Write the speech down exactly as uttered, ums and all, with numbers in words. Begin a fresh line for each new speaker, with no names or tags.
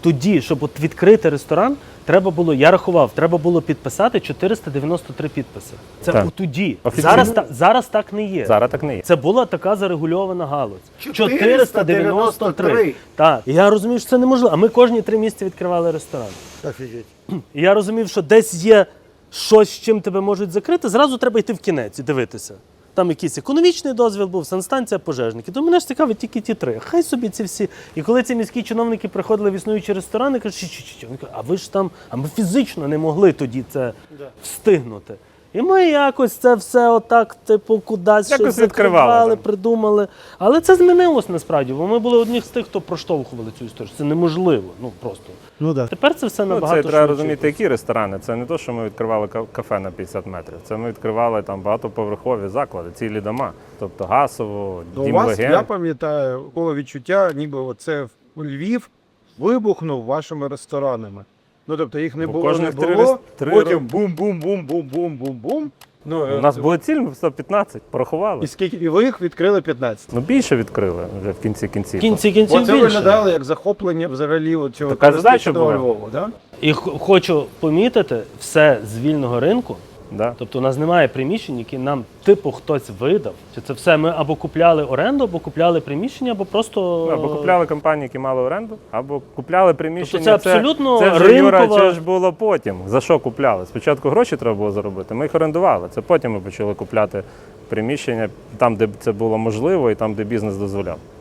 тоді, щоб от відкрити ресторан, треба було, я рахував, треба було підписати чотириста дев'яносто три підписи. Це
Так.
у тоді.
Офіційно?
Зараз, та- зараз так не є.
Зараз так не є.
Це була така зарегульована галузь.
чотириста дев'яносто три.
Так. І я розумів, що це неможливо. А ми кожні три місяці відкривали ресторан.
Офігеть.
І я розумів, що десь є щось, з чим тебе можуть закрити, зразу треба йти в кінець і дивитися. Там якийсь економічний дозвіл був, санстанція, пожежники. То мене ж цікавить тільки ті три. Хай собі ці всі. І коли ці міські чиновники приходили в існуючі ресторани, кажуть, що, що, що? Вони кажуть, а ви ж там, а ми фізично не могли тоді це встигнути. І ми якось це все отак, типу, кудись
Якось
щось
відкривали
закривали,
там.
придумали. Але це змінилось насправді, бо ми були одні з тих, хто проштовхували цю історію. Це неможливо, ну просто.
Ну так.
Тепер це все
Ну,
набагато
це треба
швидше.
розуміти, які ресторани. Це не те, що ми відкривали ка- кафе на п'ятдесят метрів. Це ми відкривали там багатоповерхові заклади, цілі дома. Тобто Гасово,
Ну, у
Дім
вас, я
Легенд.
пам'ятаю, було відчуття, ніби оце Львів вибухнув вашими ресторанами. Ну, тобто їх не
Бо
було, не
кожних три
було,
рес- три
потім
ро-
бум-бум-бум-бум-бум-бум-бум. Ну,
У нас було ціль сто п'ятнадцять, порахували.
і скільки і ви їх відкрили п'ятнадцять.
Ну більше відкрили вже в кінці кінців.
В кінці кінців
Оце
більше.
виглядало як захоплення взагалі от цього
Така задача
туристичного
була.
Львова, да?
І х- хочу помітити, все з вільного ринку.
Да.
Тобто у нас немає приміщень, які нам типу хтось видав. Чи це все ми або купляли оренду, або купляли приміщення, або просто.
Ну, або купляли компанії, які мали оренду, або купляли приміщення.
Тобто це абсолютно
це, вже, Юра,
ринкова-
це ж було потім. За що купляли? Спочатку гроші треба було заробити, ми їх орендували. Це потім ми почали купляти приміщення там, де це було можливо, і там, де бізнес дозволяв.